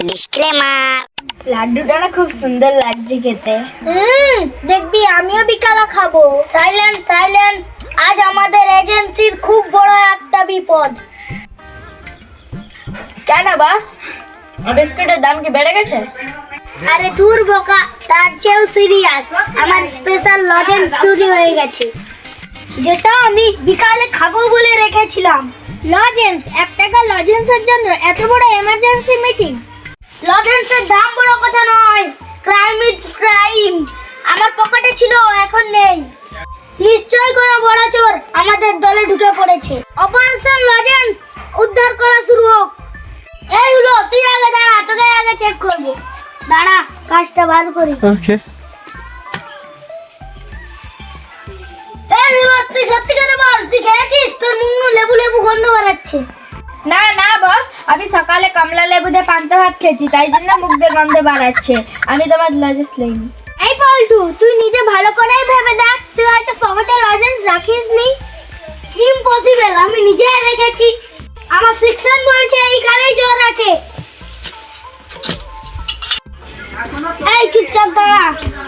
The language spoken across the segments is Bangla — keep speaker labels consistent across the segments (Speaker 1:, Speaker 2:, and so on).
Speaker 1: ডিসক্লেমার।
Speaker 2: লাড্ডুটা না খুব সুন্দর লাগছে খেতে। দেখবি আমিও বিকালে খাবো। সাইলেন্স সাইলেন্স, আজ আমাদের এজেন্সির খুব বড় একটা বিপদ।
Speaker 3: কেন বাস, বিস্কুটের দাম কি বেড়ে গেছে?
Speaker 2: আরে দূর বোকা, তার চেয়েও সিরিয়াস। আমার স্পেশাল লজেন্স চুরি হয়ে গেছে, যেটা আমি বিকালে খাবো বলে রেখেছিলাম। লজেন্স? 1 টাকা লজেন্সের জন্য এত বড় এমার্জেন্সি মিটিং? লজেন্সের দাম বড় কথা নয়, ক্রাইম ইজ ক্রাইম। আমার পকেটে ছিল, এখন নেই। নিশ্চয়ই কোনো বড় চোর আমাদের দলে ঢুকে পড়েছে। অপারেশন লজেন্স উদ্ধার করা শুরু হোক। এই হলো, তুই আগে দাঁড়া, তোকে আগে চেক করবো। দাঁড়া, কাজটা বার করি।
Speaker 4: ওকে।
Speaker 2: এই হলো, তুই সত্যি করে বল, তুই খেয়েছিস? তোর মুখ লেবু লেবু গন্ধ বেরাচ্ছে।
Speaker 3: না না বস, আমি সকালে কমলা লেবু দিয়ে পান্তা ভাত খেয়েছি, তাই জন্য মুখ দিয়ে গন্ধে বাড়াচ্ছে। আমি তোমার লজেন্স লইনি।
Speaker 2: এই পল্টু, তুই নিজে ভালো করেই ভেবে দেখ, তুই হয়তো পকেটে লজেন্স রাখিসনি। ইম্পসিবল, আমি নিজেই রেখেছি। আমার সেকশন বলছে এইখানেই চোর আছে। এই চুপচাপ দাঁড়া।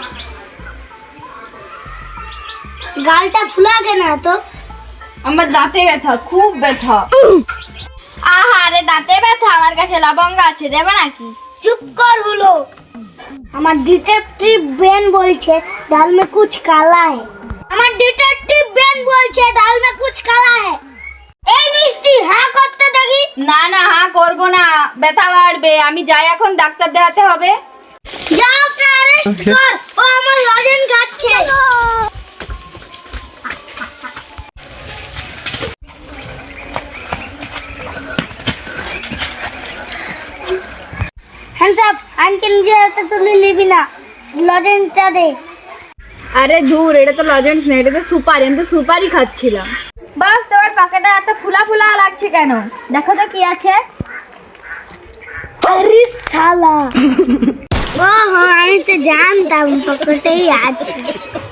Speaker 2: গালটা ফুলা কেন তো?
Speaker 3: আমার দাঁতে ব্যথা, খুব ব্যথা। আহারে দাঁতে ব্যথা, আমার কাছে লবঙ্গ আছে, দেবে নাকি?
Speaker 2: চুপ কর হলো। আমার ডিটেকটিভ বেন বলছে ডাল মে কুছ কালা है। আমার ডিটেকটিভ বেন বলছে ডাল মে কুছ কালা है। এই মিষ্টি, হ্যাঁ করতে দেখি।
Speaker 3: না না, হ্যাঁ করবো না, ব্যথা বাড়বে। আমি যাই, এখন ডাক্তার দেখাতে হবে।
Speaker 2: যাও, ওকে অ্যারেস্ট কর, ও আমার লজেন্স খাচ্ছে। হ্যান্ডস আপ, আনকে নিজে হাতে তুলে নিবি না, লজেন্সটা দে।
Speaker 3: আরে ধুর, এটা তো লজেন্স নেই, এটা তো সুপারি। আমি তো সুপারি খাচ্ছিলাম। বাস, তোমার পকেটে এত ফুলা ফুলা লাগছে কেন? দেখো তো কি আছে।
Speaker 2: আরে শালা, ওহো, আমি তো জানতাম পকেটেই আছে।